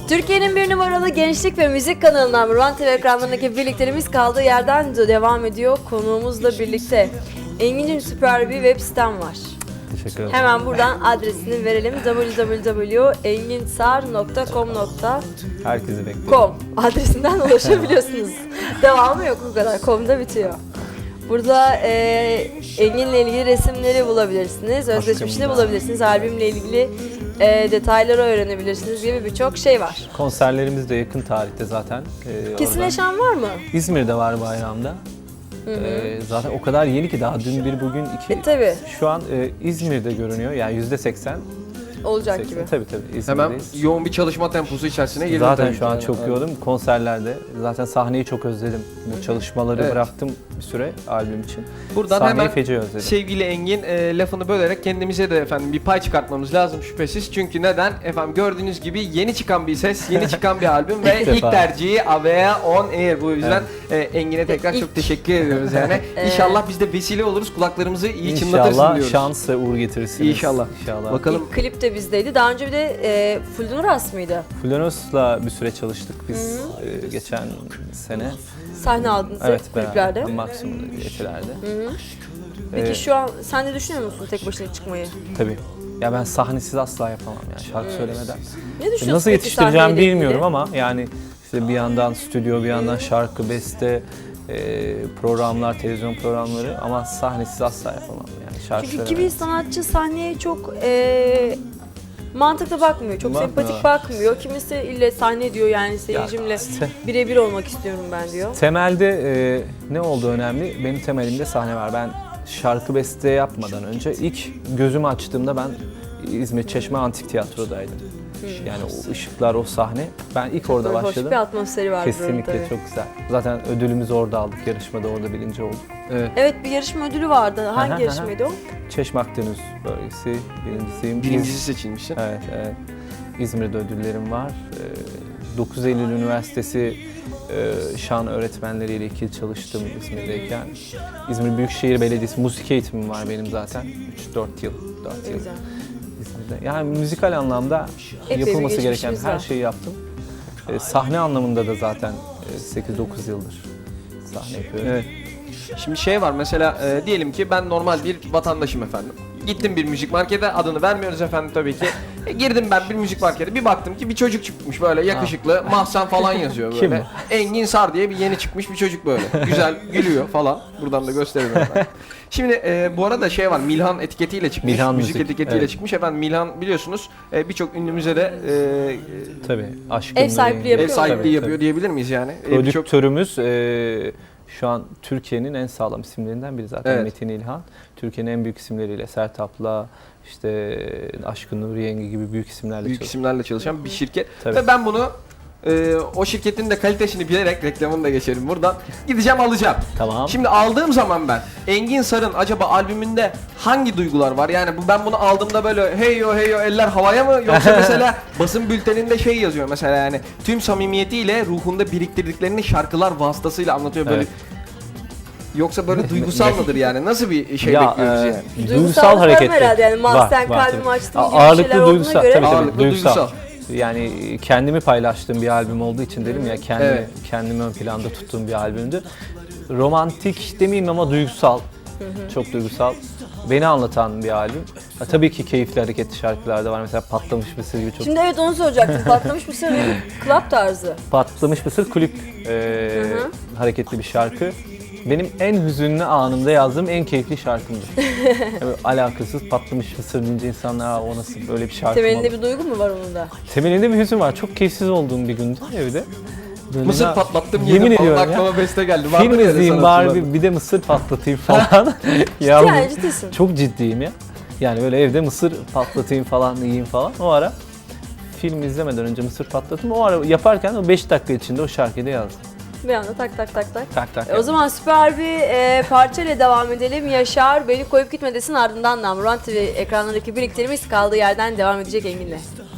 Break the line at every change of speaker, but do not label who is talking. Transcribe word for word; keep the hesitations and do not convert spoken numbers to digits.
Türkiye'nin bir numaralı gençlik ve müzik kanalından Ruan T V ekranlarındaki birliklerimiz kaldığı yerden de devam ediyor. Konuğumuzla birlikte. Engin'cim, süper bir web sitem var.
Teşekkür ederim.
Hemen buradan adresini verelim. double-u double-u double-u nokta enginsar nokta com nokta
Herkesi bekliyorum.
com adresinden ulaşabiliyorsunuz. Devamı yok, bu kadar. Com'da bitiyor. Burada e, Engin'le ilgili resimleri bulabilirsiniz, özgeçmişini bulabilirsiniz, albümle ilgili e, detayları öğrenebilirsiniz gibi birçok şey var.
Konserlerimiz de yakın tarihte zaten. Ee,
Kesinleşen var mı?
İzmir'de var bayramda.
Hı hı.
Ee, zaten o kadar yeni ki daha dün bir bugün iki.
E tabi.
Şu an e, İzmir'de görünüyor yani yüzde seksen.
Olacak
seksen,
gibi.
tabii tabii İzmir'deyiz.
Hemen yoğun bir çalışma temposu içerisine girdim.
Zaten
tabii
şu an
ki.
çok
Evet.
yoğunum konserlerde. Zaten sahneyi çok özledim. Bu çalışmaları
Evet.
bıraktım bir süre albüm için.
Buradan
Sahneyi
hemen
feci özledim.
sevgili Engin e, lafını bölerek kendimize de efendim bir pay çıkartmamız lazım şüphesiz. Çünkü neden? Efendim gördüğünüz gibi yeni çıkan bir ses, yeni çıkan bir albüm ve
İlk
ilk
defa.
tercihi Avea On Air. Bu yüzden e, Engin'e tekrar çok teşekkür ediyoruz yani. İnşallah biz de vesile oluruz, kulaklarımızı iyi çınlatırsın
İnşallah
diyoruz.
şans ve uğur getirirsiniz.
İnşallah.
İnşallah.
Bakalım.
İlk klip de bizdeydi. Daha önce bir de e, Fuldunuras mıydı?
Fulanos'la bir süre çalıştık biz e, geçen sene.
Sahne aldınız
Evet,
hep kliplerde.
beraber. Maksimum'da, Etiler'de.
Hı hı. Peki
Ee,
şu an sen de düşünüyor musun tek başına çıkmayı?
Tabii. Ya ben sahnesiz asla yapamam yani şarkı söylemeden.
Ne düşünüyorsun
Nasıl
peki
yetiştireceğim
sahneyle ilgili?
bilmiyorum ama yani işte bir yandan stüdyo, bir yandan şarkı, beste, e, programlar, televizyon programları ama sahnesiz asla yapamam yani şarkı
Çünkü
söylemeden.
kimi sanatçı sahneye çok e, mantıklı bakmıyor, çok
Bakmıyor.
sempatik bakmıyor. Kimisi ille sahne diyor, yani seyircimle
te-
birebir olmak istiyorum ben diyor.
Temelde e, ne olduğu önemli. Benim temelimde sahne var. Ben şarkı beste yapmadan önce ilk gözümü açtığımda ben İzmir Çeşme Antik Tiyatro'daydım. Yani o ışıklar, o sahne. Ben ilk orada
Böyle hoş
başladım.
bir atmosferi var buranın
Kesinlikle
tabii.
çok güzel. Zaten ödülümüzü orada aldık. Yarışmada orada birinci olduk.
Evet.
Evet, bir yarışma ödülü vardı. Hangi
Aha,
yarışmaydı o?
Çeşme Akdeniz bölgesi birincisiyim.
Birincisi seçilmişsin.
Evet, evet. İzmir'de ödüllerim var. Ee, dokuz Eylül Üniversitesi e, şan öğretmenleriyle iki yıl çalıştım İzmir'deyken. İzmir Büyükşehir Belediyesi müzik eğitimim var benim zaten. üç dört yıl. dört yıl
Güzel.
İzmir'de. Yani müzikal anlamda
Epey bir
yapılması gereken
geçmişimiz
her
var.
şeyi yaptım. Ee, sahne anlamında da zaten e, sekiz dokuz yıldır sahne yapıyorum.
Evet. Şimdi şey var mesela e, diyelim ki ben normal bir vatandaşım efendim. Gittim bir müzik markete, adını vermiyoruz efendim tabii ki. E, girdim ben bir müzik markete, bir baktım ki bir çocuk çıkmış böyle yakışıklı, Mahsen falan yazıyor böyle.
Kim
Engin Sar diye bir yeni çıkmış bir çocuk böyle. Güzel gülüyor falan. Buradan da gösterelim efendim. Şimdi e, bu arada şey var, Milhan etiketiyle çıkmış,
Milhan
müzik,
Müzik,
etiketiyle
evet.
çıkmış efendim. Milhan biliyorsunuz e, birçok ünlümüze de e,
Tabii. Aşkın
Ev sahipliği
ev
yapıyor.
sahipliği
Tabii,
yapıyor
tabii.
diyebilir miyiz yani? E, birçok-
Prodüktörümüz e, şu an Türkiye'nin en sağlam isimlerinden biri zaten
Evet.
Metin İlhan. Türkiye'nin en büyük isimleriyle Sertab'la, işte Aşkın Nuri Yenge gibi büyük isimlerle
büyük
çalışıyor.
isimlerle çalışan bir şirket.
Tabii.
Ve ben bunu e, o şirketin de kalitesini bilerek reklamını da geçelim buradan. Gideceğim alacağım.
Tamam.
Şimdi aldığım zaman ben Engin Sar'ın acaba albümünde hangi duygular var? Yani bu ben bunu aldığımda böyle hey yo hey yo eller havaya mı? Yoksa mesela basın bülteninde şey yazıyor mesela yani tüm samimiyetiyle ruhunda biriktirdiklerini şarkılar vasıtasıyla anlatıyor böyle.
Evet.
Yoksa böyle duygusal mıdır yani? Nasıl bir şey
Ya,
bekliyoruz
e,
yani?
Duygusal
duygusal
var
hareketli.
herhalde yani, mahzen
Var, var
kalbimi
tabii.
açtım gibi
Ağırlıklı
şeyler olduğuna
duygusal,
göre.
tabii, tabii,
Ağırlıklı
duygusal.
duygusal.
Yani kendimi paylaştığım bir albüm olduğu için dedim ya kendimi,
Evet.
kendimi ön planda tuttuğum bir albümdü. Romantik demeyeyim ama duygusal. Çok duygusal. Beni anlatan bir albüm. Ha, tabii ki keyifli hareketli şarkılar da var. Mesela Patlamış Mısır gibi çok.
Şimdi evet, onu soracaktım. Patlamış mısır bir club tarzı.
Patlamış Mısır klip e,
Hı hı.
hareketli bir şarkı. Benim en hüzünlü anımda yazdığım en keyifli şarkımdır. Yani alakasız Patlamış Mısır deyince insanlar "Aa, o nasıl böyle bir şarkı mı
Temelinde
olur?"
bir duygu mu var onun da?
Temelinde bir hüzün var. Çok keyifsiz olduğum bir gündü evde. Böyle
Mısır
ya-
patlattım
yemin
yedim falan
ediyorum ya.
aklıma beste geldi. Var
Film
mı öyle
izleyeyim
sanatçılar?
bari bir, bir de mısır patlatayım falan. ya bu-
Yani ciddisin.
çok ciddiyim ya. Yani böyle evde mısır patlatayım falan yiyeyim falan. O ara film izlemeden önce mısır patlattım. O ara yaparken o beş dakika içinde o şarkıyı da yazdım.
Bir anda tak tak tak tak.
Tak tak.
E, o zaman süper bir e, parçayla devam edelim. Yaşar, beni koyup gitme desin, ardından da Ruan T V ekranlarındaki birliklerimiz kaldığı yerden devam edecek Engin'le.